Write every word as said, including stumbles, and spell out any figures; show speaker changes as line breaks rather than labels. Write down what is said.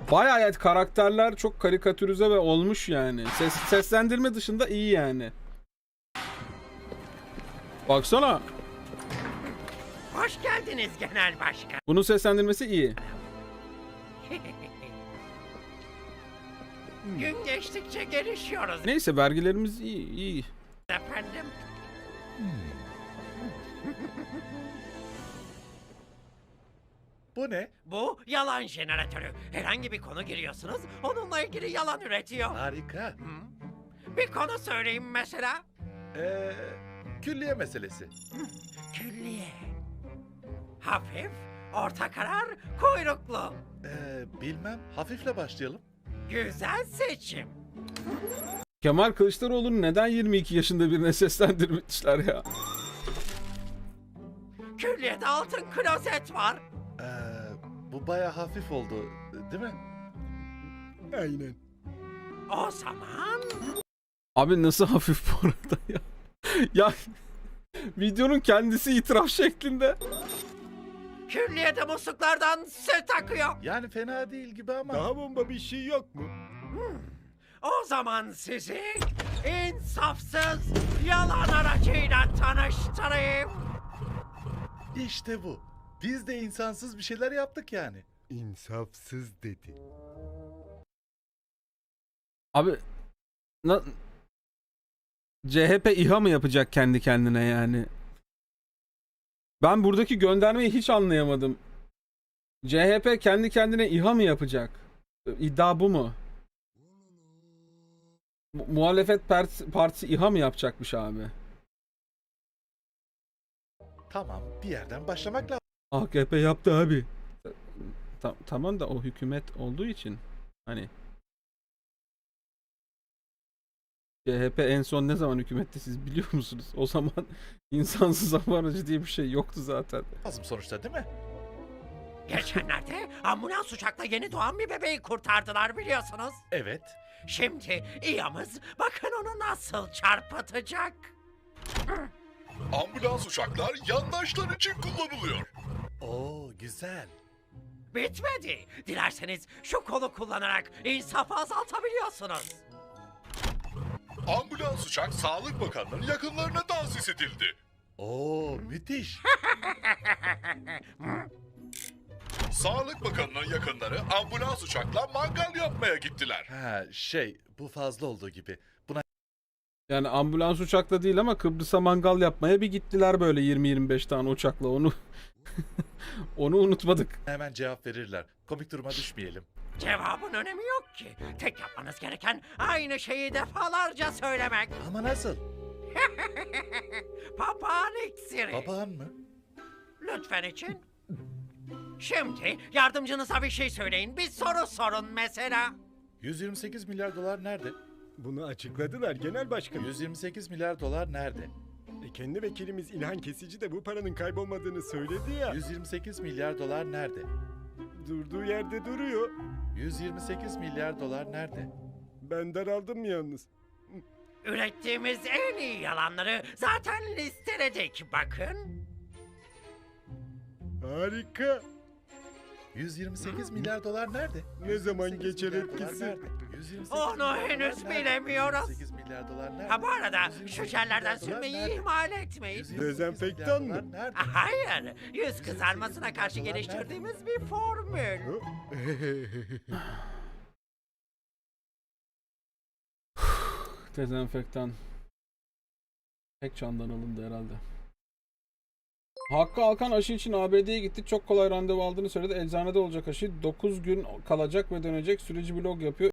Bayağı evet, karakterler çok karikatürize ve olmuş yani. Ses, seslendirme dışında iyi yani. Baksana.
Hoş geldiniz Genel Başkan.
Bunun seslendirmesi iyi.
Gün geçtikçe gelişiyoruz
Neyse, vergilerimiz iyi, iyi.
efendim.
Bu ne?
Bu yalan jeneratörü. Herhangi bir konu giriyorsunuz, onunla ilgili yalan üretiyor.
Harika.
Bir konu söyleyeyim mesela.
Ee, külliye meselesi.
Külliye. Hafif, orta karar, kuyruklu.
Ee, bilmem. Hafifle başlayalım.
Güzel seçim.
Kemal Kılıçdaroğlu'nu neden yirmi iki yaşında birine seslendirmişler ya?
Külliyede altın klozet var.
Ee, bu baya hafif oldu, değil mi?
Aynen.
O zaman
Abi nasıl hafif bu arada ya? Ya videonun kendisi itiraf şeklinde.
külliyede musluklardan süt akıyor.
Yani fena değil gibi ama.
Daha bomba bir şey yok mu?
O zaman sizi insafsız yalan aracıyla tanıştırayım.
İşte bu. Biz de insansız bir şeyler yaptık yani.
İnsafsız dedi.
Abi na- C H P İHA mı yapacak kendi kendine yani? Ben buradaki göndermeyi hiç anlayamadım. C H P kendi kendine İHA mı yapacak? İddia bu mu? Mu- muhalefet partisi, partisi İHA mı yapacakmış abi?
Tamam, bir yerden başlamak lazım.
A K P yaptı abi. Ta- tamam da o hükümet olduğu için hani C H P en son ne zaman hükümette siz biliyor musunuz? O zaman insansız hava aracı diye bir şey yoktu zaten.
Lazım sonuçta, değil mi?
Geçenlerde ambulans uçakla yeni doğan bir bebeği kurtardılar biliyorsunuz.
Evet.
Şimdi İHA'mız bakın onu nasıl çarpıtacak.
Ambulans uçaklar yandaşlar için kullanılıyor.
Oo, güzel.
Bitmedi. Dilerseniz şu kolu kullanarak insafı azaltabiliyorsunuz.
Ambulans uçak Sağlık Bakanlığı'nın yakınlarına tahsis edildi.
Oo, müthiş.
Sağlık Bakanlığı'nın yakınları ambulans uçakla mangal yapmaya gittiler.
Ha, şey, bu fazla olduğu gibi. Buna
Yani ambulans uçakla değil ama Kıbrıs'a mangal yapmaya bir gittiler böyle yirmi yirmi beş tane uçakla, onu onu unutmadık.
hemen cevap verirler. Komik duruma düşmeyelim.
Cevabın önemi yok ki. Tek yapmanız gereken aynı şeyi defalarca söylemek.
Ama nasıl?
Papağan iksiri.
Papağan mı?
Lütfen için. Şimdi yardımcınıza bir şey söyleyin. Bir soru sorun mesela.
yüz yirmi sekiz milyar dolar nerede?
Bunu açıkladılar genel başkanım.
yüz yirmi sekiz milyar dolar nerede?
E, kendi vekilimiz İlhan Kesici de bu paranın kaybolmadığını söyledi ya.
yüz yirmi sekiz milyar dolar nerede?
Durduğu yerde duruyor.
yüz yirmi sekiz milyar dolar nerede?
Ben daraldım yalnız.
Ürettiğimiz en iyi yalanları zaten listeledik bakın.
Harika.
yüz yirmi sekiz milyar dolar nerede?
Ne zaman
yüz yirmi sekiz
geçer
milyar dolar
etkisi?
nerede? yüz yirmi sekiz
Onu
milyar dolar
henüz
nerede?
bilemiyoruz.
yüz yirmi sekiz milyar dolar nerede?
Ha bu arada
yüz yirmi
şu
sekiz
jellerden
milyar dolar
sürmeyi
nerede?
ihmal etmeyin.
yüz yirmi sekiz
Dezenfektan
milyar
mı?
dolar nerede?
Hayır, yüz kızarmasına karşı geliştirdiğimiz bir formül.
Dezenfektan. Tek çandan alındı herhalde. Hakkı Alkan aşı için A B D'ye gitti. Çok kolay randevu aldığını söyledi. Eczanede olacak aşı. dokuz gün kalacak ve dönecek. Süreci blog yapıyor.